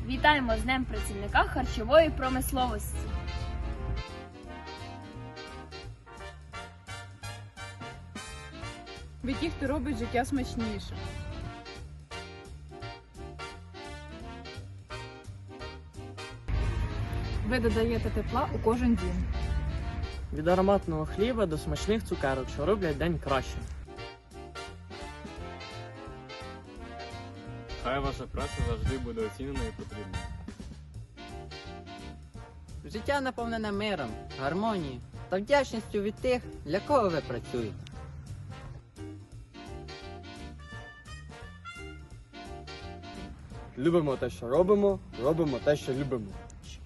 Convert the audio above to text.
Вітаємо з Днем працівника харчової промисловості! Ви ті, хто робить життя смачніше. Ви додаєте тепла у кожен дім. Від ароматного хліба до смачних цукерок, що роблять день краще. Хай ваша праця завжди буде оцінена і потрібна. Життя наповнене миром, гармонією та вдячністю від тих, для кого ви працюєте. Любимо те, що робимо, робимо те, що любимо.